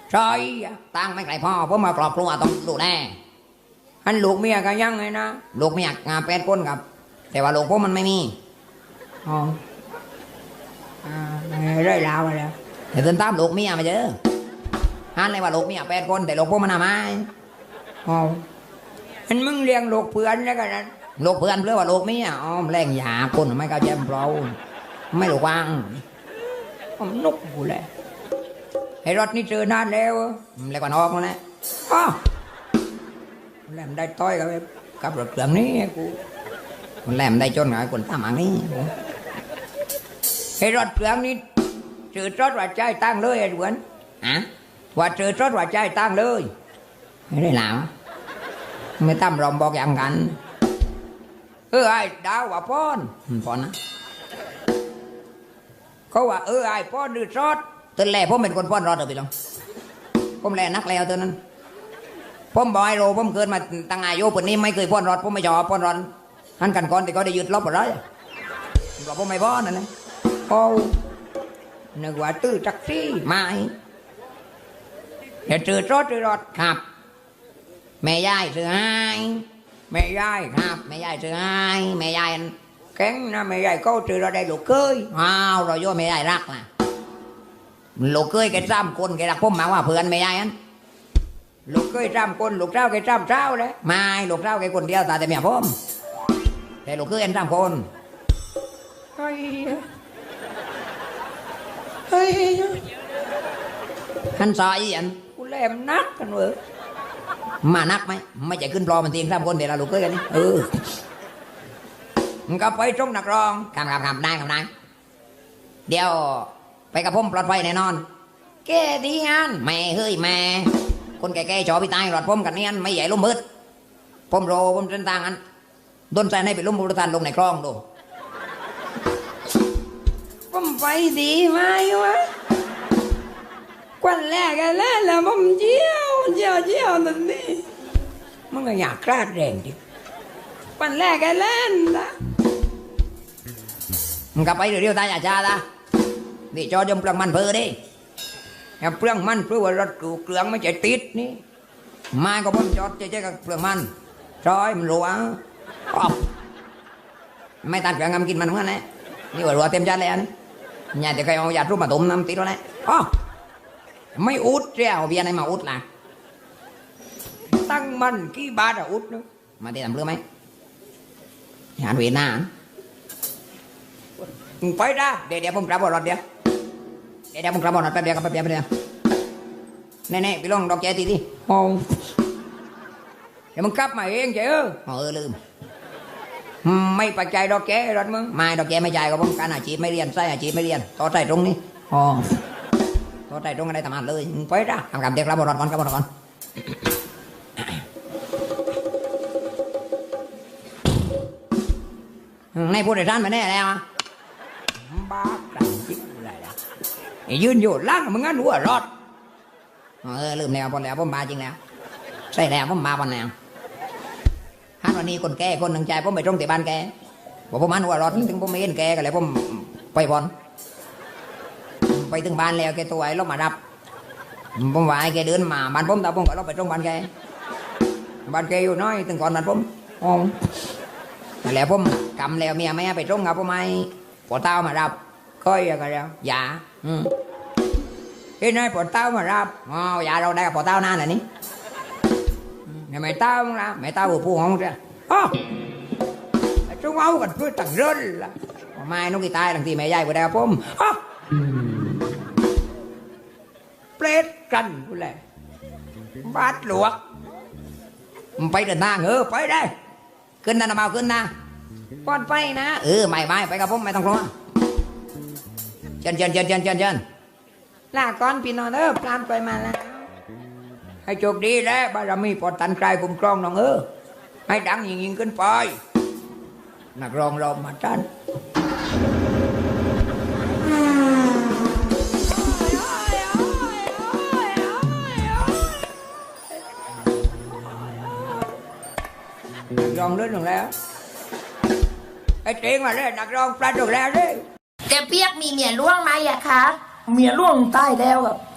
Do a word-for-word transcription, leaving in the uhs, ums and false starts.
ใช่ตังไม่ไกลพ่อเพราะมาครอบครัวต้องดูแลอันลูกเมียก็ยังไงนะลูกเมียงานแปดคนครับแต่ว่าลูกพวกมันไม่มีอ๋ออ่าเรื่อยราวไปแล้วแต่ตื่นตามลูกเมียมาเจอฮันเลยว่าลูกเมียแปดคนแต่ลูกพวกมันทำไมอ๋ออันมึงเลี้ยงลูกเพื่อนแล้วกันนะลูกเพื่อนเพื่อว่าลูกเมียอ๋อแรงหยาคนไม่เข้าใจเราไม่รู้ว่างผมนุกกูเลยไอ้รถนี่เจอนานแล้วแล้วก็นอกแล้วนะอ๋อแหลมได้ต้อยกับกับรถเครื่องนี้กูแหลมได้จนกับคนตามอันนี้ไอ้รถเครื่องนี้เจอรถว่าใจตั้งเลยไอ้ด่วนอะว่าเจอรถว่าใจตั้งเลยไม่ได้หนาวไม่ตั้มรอมบอกอย่างกันเออไอ้ดาวว่าป้อนป้อนนะเขาว่าเออไอ้ป้อนดื้อรถตื่นแล่ผมเป็นคนป้อนรถเออไปลองผมแล่นักแล้วตัวนั้นผมบอยโรผมเกิดมาตั้งอายุปุ่นนี้ไม่เคยป้อนรถผมไม่ชอบป้อนรถหันกันก่อนแต่ก็ได้ยึดลบหมดเลยบอกผมไม่ป้อนนั่นเลยโอ้นึกว่าตื้อจักซี่ไม่เดี๋ยวจืดรถจืดรถครับแม่ยายซื้อให้แม่ยายครับแม่ยายซื้อให้แม่ยายแข็งนะแม่ยายก็จืดเราได้ลูกเคยอ้าวเราโยแม่ยายรักนะลูกเคยแกซ้ำคนแกรักผมมาว่าเพื่อนแม่ยายอันลูกเคยซ้ำคนลูกเจ้าแกซ้ำเจ้าเลยไม่ลูกเจ้าแกคนเดียวตาแต่เมียผมแต่ลูกเคยอันซ้ำคนเฮ้ยเฮ้ยท่านสายอันกูแลมนักกันเว้ยมานักไหมไม่จะขึ้นรอมันเตียงซ้ำคนเดี๋ยวเราลูกเคยกันนี่เออมันก็ไปตรงนักร้องคำคำคำได้คำได้เดี๋ยวไปกับผมปลอดภัยแน่นอนแกดีงานแม่เฮ้ยแม่คนแก่ๆจอพี่ตายรอดผมกันนี่อันไม่ใหญ่ล้มมืดผมโรผมเส้นทางอันโดนใจให้ไปล้มบุรุษานลงในคลองดูผมไปดีไหมวะควันแรกกันแล้วแล้วผมเจียวเจียวเจียวนั่นนี่มันก็อยากกล้าแรงดิควันแรกกันแล้วนะมันก็ไปเดี๋ยวๆตาอย่าจ้าละนี่จอยมเปลืองมันเพอดิอย่าเปลืองมันเพราะว่ารถกูเกลืองไม่ใจติดนี่มาก็พ้นจอดใจใจกับเปลืองมันจอยมันรัวไม่ตัดเกลืองงำกินมันเหมือนกันแหละนี่ว่ารัวเต็มจานเลยอันนี่ยแต่ใครเอายาทุบมาต้มน้ำติดแล้วแหละอ๋อไม่อุดเจ้าเบียร์ไหนมาอุดล่ะตั้งมันกี่บาทอะอุดเนาะมาได้ทำเรื่องไหมหาเวน่าไปด้าเดี๋ยวเดี๋ยวผมกลับบอลรถเดี๋ยวเดี๋ยวเดี๋ยวผมกลับบอลรถแป๊บเดียวครับแป๊บเดียวแป๊บเดียวแน่ๆไปลองดอกแก้ตีดิโอ้เดี๋ยวมึงกลับมาเองเจ้าเออลืมไม่ปัจจัยดอกแก้รถมึงไม่ดอกแก้ไม่จ่ายก็ผมการอาชีพไม่เรียนใส่อาชีพไม่เรียนต่อใจตรงนี้อ๋อต่อใจตรงอะไรทำงานเลยไปด้าทำกับเด็กกลับบอลรถก่อนกลับบอลรถก่อนในผู้โดยสารมาแน่แล้วบ้าจังจิ๊กอะไรล่ะยืนอยู่ล่างมึงงั้นหัวรอดเออลืมแล้วพอแล้วผมมาจริงแล้วใช่แล้วผมมาวันแล้วฮันวันนี้คนแก่คนหนึ่งใจผมไปตรงที่บ้านแกบอกผมมันหัวรอดถึงผมไม่เห็นแกกันเลยผมไปบอลไปถึงบ้านแล้วแกตัวไอ้ลบมารับผมว่าไอ้แกเดินมาบ้านผมแต่ผมก็ลบไปตรงบ้านแกบ้านแกอยู่น้อยถึงก่อนบ้านผมอ๋อแล้วผมกำแล้วเมียไม่ไปตรงกับผมไม่ปวดเต้ามารับก้อยอะไรแล้วยาอืมเฮ้ยนายปวดเต้ามารับอ๋อยาเราได้กับปวดเต้านานเหรอนี่เนี่ยไม่เต้ามั้งละไม่เต้าบุผู้ของเจ้าอ๋อจุ๊กเอากันเพื่อตั้งเรื่นละไม่นกกีตาร์ตั้งที่แม่ใหญ่บุได้กับผมอ๋อเปรตกันกูเลยบาดหลวกไปเดินทางเออไปได้ขึ้นนะมาขึ้นนะปอนไปนะเออไม่ไม่ไปกับผมไม่ต้องกลัวเชิญเชิญเชิญเชิญเชิญเชิญลาก่อนพี่น้องเออปลามไปมาแล้วให้โชคดีแล้วบารมีปอดตันกลายคุ้มครองน้องเออให้ดังยิ่งยิ่งขึ้นไปนักร้องรอมาท่านร้องเล่นหนึ่งแล้วไอ้เจ๋งมาเล่นนักร้องปลาดุกแล้วดิแกเปียกมีเมียล่วงไหมอะคะเมียล่วงใต้แล้วครับ